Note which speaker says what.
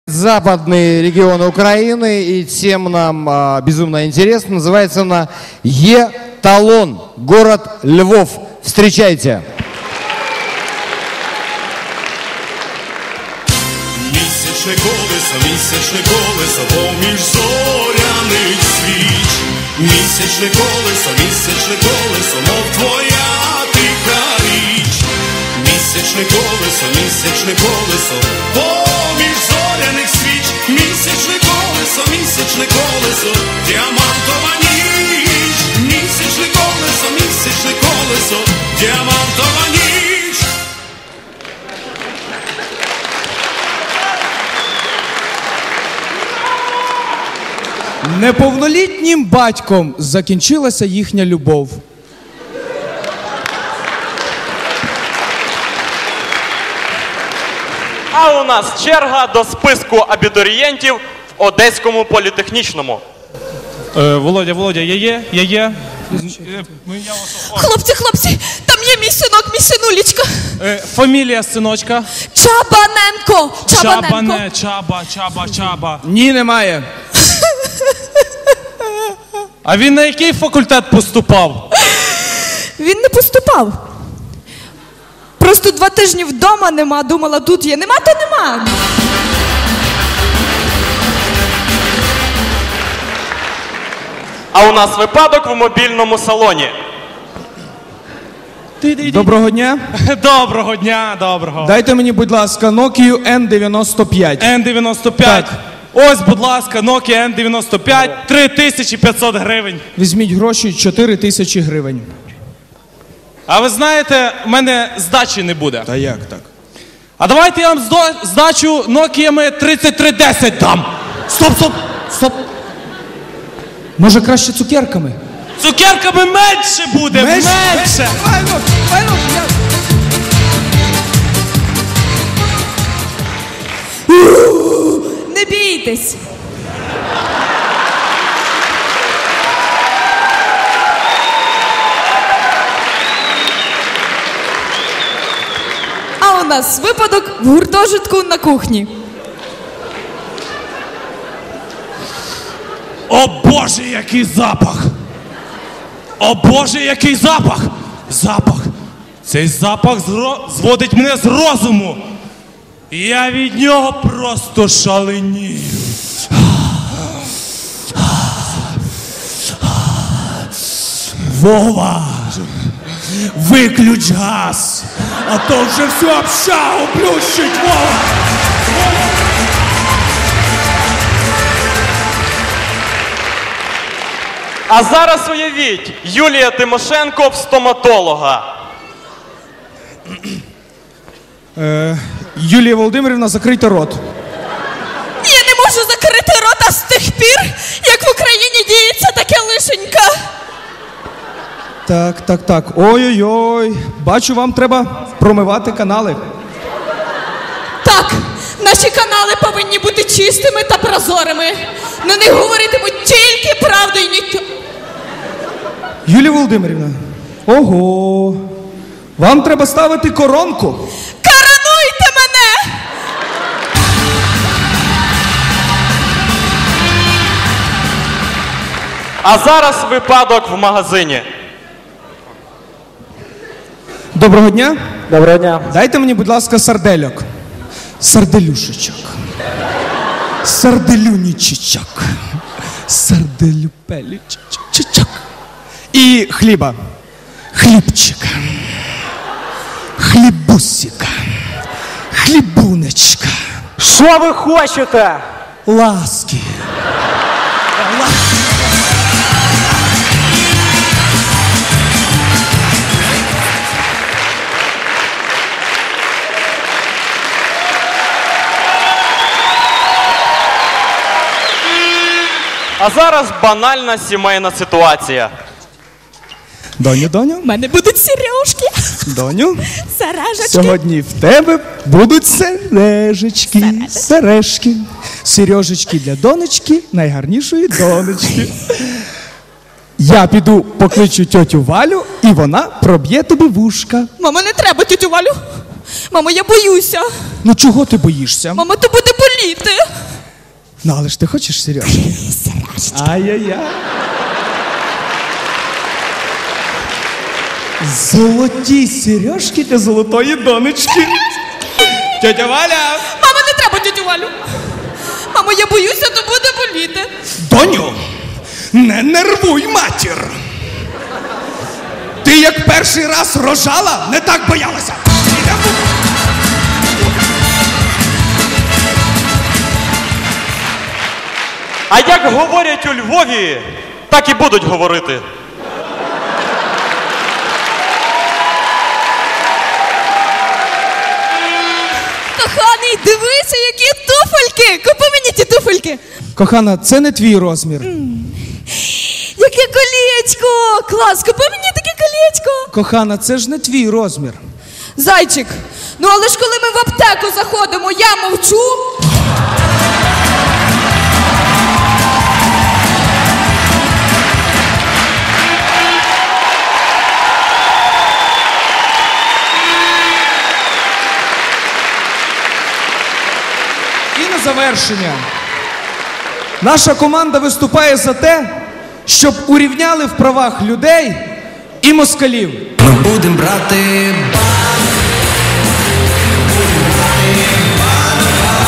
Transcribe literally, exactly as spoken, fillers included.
Speaker 1: Западные регионы Украины, и тем нам а, безумно интересно. Называется она Еталон, город Львов. Встречайте.
Speaker 2: Місячне колесо, місячне колесо, поміж зоряних свіч. Місячне колесо, місячне колесо, мов твоя тиха річ. Місячне колесо, місячне колесо, поміж зоряних свіч. Місячне колесо, місячне колесо, діамантова ніч. Місячне колесо, місячне колесо, діамантова ніч.
Speaker 3: Неповнолітнім батьком закінчилася їхня любов.
Speaker 4: А у нас черга до списку абітурієнтів в Одеському політехнічному.
Speaker 5: Е, Володя, Володя, я є? Я є?
Speaker 6: Хлопці, хлопці, там є мій синок, мій синулечка.
Speaker 5: Е, фамілія синочка?
Speaker 6: Чабаненко. Чабаненко.
Speaker 5: Чабане, Чаба, Чаба, Чаба.
Speaker 3: Ні, немає.
Speaker 5: А він на який факультет поступав?
Speaker 6: Він не поступав. Просто два тижні вдома нема, думала, тут є. Нема, то нема.
Speaker 4: А у нас випадок в мобільному салоні.
Speaker 3: Доброго дня.
Speaker 5: Доброго дня, доброго.
Speaker 3: Дайте мені, будь ласка, Nokia ен дев'яносто п'ять.
Speaker 5: ен дев'яносто п'ять.
Speaker 3: Так.
Speaker 5: Ось, будь ласка, Nokia ен дев'яносто п'ять, три тисячі п'ятсот гривень.
Speaker 3: Візьміть гроші, чотири тисячі гривень.
Speaker 5: А ви знаєте, в мене здачі не буде.
Speaker 3: Та як так?
Speaker 5: А давайте я вам здо- здачу Нокіями тридцять три десять дам.
Speaker 3: Стоп, стоп, стоп. Може краще цукерками?
Speaker 5: Цукерками менше буде, менше. менше.
Speaker 3: Файно, файно, я...
Speaker 6: Не бійтесь. А у нас випадок в гуртожитку на кухні.
Speaker 5: О Боже, який запах! О Боже, який запах! Запах! Цей запах зро... зводить мене з розуму. Я від нього просто шаленію. Вова! Виключ газ! А то вже всю общагу плющить, Вова!
Speaker 4: А зараз уявіть, Юлія Тимошенко в стоматолога.
Speaker 3: Е, Юлія Володимирівна, закрийте рот.
Speaker 6: Я не можу закрити рота з тих пір, як в Україні діється таке лишенька.
Speaker 3: Так, так, так. Ой-ой-ой. Бачу, вам треба промивати канали.
Speaker 6: Так, наші канали повинні бути чистими та прозорими. На них говоритимуть тільки правду і нічого.
Speaker 3: Юлія Володимирівна. Ого. Вам треба ставити коронку.
Speaker 6: Коронуйте мене!
Speaker 4: А зараз випадок в магазині.
Speaker 3: Доброго дня.
Speaker 7: Доброго дня.
Speaker 3: Дайте мені, будь ласка, сардельок. Сарделюшечок. Сарделюнічечок. Сарделюпелічечок. І хліба. Хлібчика. Хлібусика. Хлібунечка.
Speaker 7: Що ви хочете?
Speaker 3: Ласки.
Speaker 4: А зараз банальна сімейна ситуація.
Speaker 3: Доню, доню.
Speaker 6: У мене будуть сережки.
Speaker 3: Доню.
Speaker 6: Сережечки.
Speaker 3: Сьогодні в тебе будуть сережечки, сережки, сережечки для донечки, найгарнішої донечки. Я піду покличу тьотю Валю, і вона проб'є тобі вушка.
Speaker 6: Мама, не треба тютю Валю. Мамо, я боюся.
Speaker 3: Ну чого ти боїшся?
Speaker 6: Мама, то буде боліти.
Speaker 3: Ну, але ж ти хочеш сережки? Сережки. Ай-яй-яй. Золоті сережки для золотої донечки. Тетя Валя!
Speaker 6: Мама, не треба тетю Валю. Мамо, я боюся, то буде боліти.
Speaker 3: Доню, не нервуй матір. Ти як перший раз рожала, не так боялася.
Speaker 4: А як говорять у Львові, так і будуть говорити.
Speaker 6: Коханий, дивися, які туфельки. Купи мені ті туфельки.
Speaker 3: Кохана, це не твій розмір.
Speaker 6: Яке колечко. Клас, купи мені таке колечко.
Speaker 3: Кохана, це ж не твій розмір.
Speaker 6: Зайчик, ну але ж коли ми в аптеку заходимо, я мовчу.
Speaker 3: І на завершення. Наша команда виступає за те, щоб урівняли в правах людей і москалів.
Speaker 2: Ми будем брати